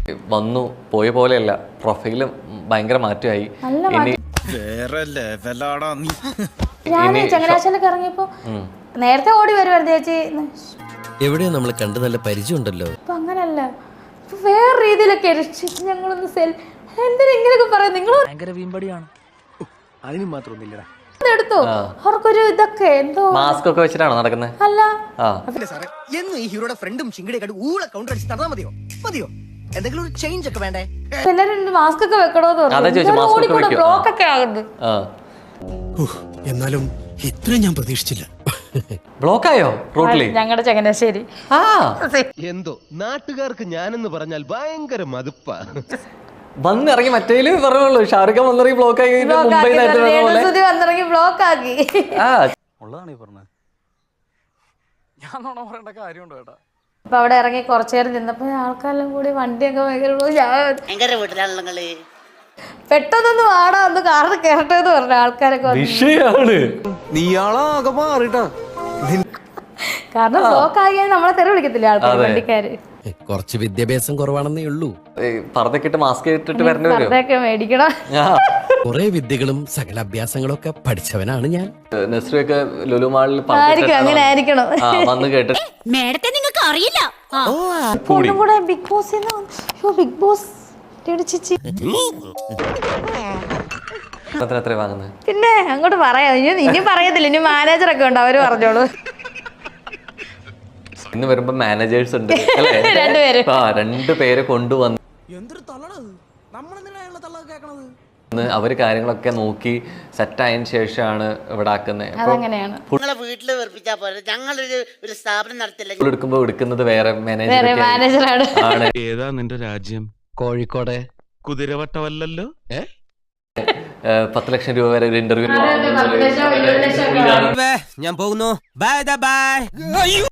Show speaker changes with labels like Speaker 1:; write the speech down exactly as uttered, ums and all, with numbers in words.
Speaker 1: വന്നു പോയ പോലെയല്ല, പ്രൊഫൈലും ഭയങ്കര മാറ്റമായി.
Speaker 2: ഞാൻ ചങ്ങനാശ്ശേരിക്ക് ഇറങ്ങിയപ്പോ നേരത്തെ ഓടി വരുമായിരുന്നു ചേച്ചി.
Speaker 3: എവിടെയോ നമ്മൾ കണ്ട് നല്ല പരിചയം ഉണ്ടല്ലോ.
Speaker 2: ഇപ്പൊ അങ്ങനല്ല, വേറെ രീതിയിലൊക്കെ ഞങ്ങളൊന്ന് സെൽ എന്തിനാ ഇങ്ങനെയൊക്കെ പറയാം. നിങ്ങൾ
Speaker 4: ഭയങ്കര വീമ്പടിയാണ്, അതിന് മാത്രമൊന്നുമില്ലടാ.
Speaker 2: എടുത്തോ അവർക്കൊരു ഇതൊക്കെ എന്തോ
Speaker 1: മാസ്ക് ഒക്കെ വെച്ചിട്ടാണോ നടക്കുന്നത്?
Speaker 2: അല്ല
Speaker 5: ഈ ഹീറോയുടെ ഫ്രണ്ടും ചിങ്കടിയെ ഊള കൗണ്ടർ അടിച്ച് തന്നാ മതിയോ? മതിയോ? എന്തെങ്കിലും ഒരു ചേഞ്ച് ഒക്കെ വേണ്ടേ?
Speaker 2: എല്ലാരും മാസ്ക് ഒക്കെ വെക്കണോന്ന് പറഞ്ഞു. ബ്ലോക്ക് ഒക്കെ ആകുന്നു.
Speaker 6: എന്നാലും ഇത്രയും ഞാൻ പ്രതീക്ഷിച്ചില്ല.
Speaker 1: ബ്ലോക്കായോ റോട്ടില്?
Speaker 2: ഞങ്ങളുടെ ചങ്ങനാശ്ശേരി
Speaker 7: എന്തോ നാട്ടുകാർക്ക് ഞാനെന്ന് പറഞ്ഞാൽ ഭയങ്കര മതിപ്പാ.
Speaker 1: വന്നിറങ്ങി മറ്റേല് പറയുള്ളൂ, ഷാറുഖ് ഖാൻ വന്നിറങ്ങി ബ്ലോക്ക് ആക്കി. മുംബൈ
Speaker 2: വന്നിറങ്ങി ബ്ലോക്ക് ആക്കി.
Speaker 4: ഉള്ളതാണ് ഈ പറഞ്ഞത്. ഞാൻ നോണ പറയേണ്ട കാര്യമുണ്ടോ ഏട്ടാ?
Speaker 2: അപ്പൊ അവിടെ ഇറങ്ങി കുറച്ചു നേരം നിന്നപ്പോ ആൾക്കാരെല്ലാം കൂടി വണ്ടിയൊക്കെ ഭയങ്കര പെട്ടെന്നൊന്ന് വാടാ ഒന്ന് കാറിൽ കയറട്ടെ എന്ന് പറഞ്ഞ ആൾക്കാരൊക്കെ
Speaker 1: വിഷയാണ്.
Speaker 4: നീയാളാകെ മാറിട്ടാ.
Speaker 2: കാരണം ബ്ലോക്ക് ആകിയാൽ നമ്മളെ തെറി വിളിക്കത്തില്ല ആൾക്കാർ, വണ്ടിക്കാര്.
Speaker 3: കുറച്ച് വിദ്യാഭ്യാസം കുറവാണെന്നേ ഉള്ളൂ.
Speaker 1: പറതൊക്കെ മാസ്ക് ഇട്ടിട്ട് വരേണ്ടി വരും.
Speaker 2: പർദ്ദയൊക്കെ മേടിക്കണം.
Speaker 3: കുറെ വിദ്യകളും സകല അഭ്യാസങ്ങളും ഒക്കെ പഠിച്ചവനാണ് ഞാൻ.
Speaker 1: നസ്രിയൊക്കെ ലുലു മാളിൽ
Speaker 2: അങ്ങനെ ആയിരിക്കണം
Speaker 1: വന്ന് കേട്ട്
Speaker 8: മേഡത്തെ നിങ്ങൾക്ക് അറിയില്ല.
Speaker 2: കൂടെ ബിഗ് ബോസ് ബിഗ് ബോസ് ചേച്ചി
Speaker 1: എത്ര വാങ്ങുന്നത്?
Speaker 2: പിന്നെ അങ്ങോട്ട് പറയാം. ഇനി ഇനി പറയത്തില്ല, ഇനി മാനേജറൊക്കെ ഉണ്ട്, അവര് പറഞ്ഞോളൂ.
Speaker 1: ഇന്ന് വരുമ്പോ മാനേജേഴ്സ് ഉണ്ട്
Speaker 2: രണ്ടുപേര്
Speaker 1: ആ രണ്ടുപേരെ കൊണ്ടുവന്ന് അവര് കാര്യങ്ങളൊക്കെ നോക്കി സെറ്റ് ആയതിനു ശേഷമാണ് ഇവിടെ ആക്കുന്നത്.
Speaker 8: വീട്ടില് വെറുപ്പിച്ചാ പോലെ ഞങ്ങളൊരു ഒരു സ്ഥാപനം നടത്തില്ല.
Speaker 1: എടുക്കുമ്പോ എടുക്കുന്നത് വേറെ
Speaker 2: മാനേജറാണ്.
Speaker 7: ഏതാ നിന്റെ രാജ്യം?
Speaker 3: കോഴിക്കോട്.
Speaker 7: കുതിരവട്ടമല്ലല്ലോ.
Speaker 1: പത്ത് ലക്ഷം രൂപ വരെ ഒരു ഇന്റർവ്യൂ.
Speaker 5: ഞാൻ പോകുന്നു. Bye by.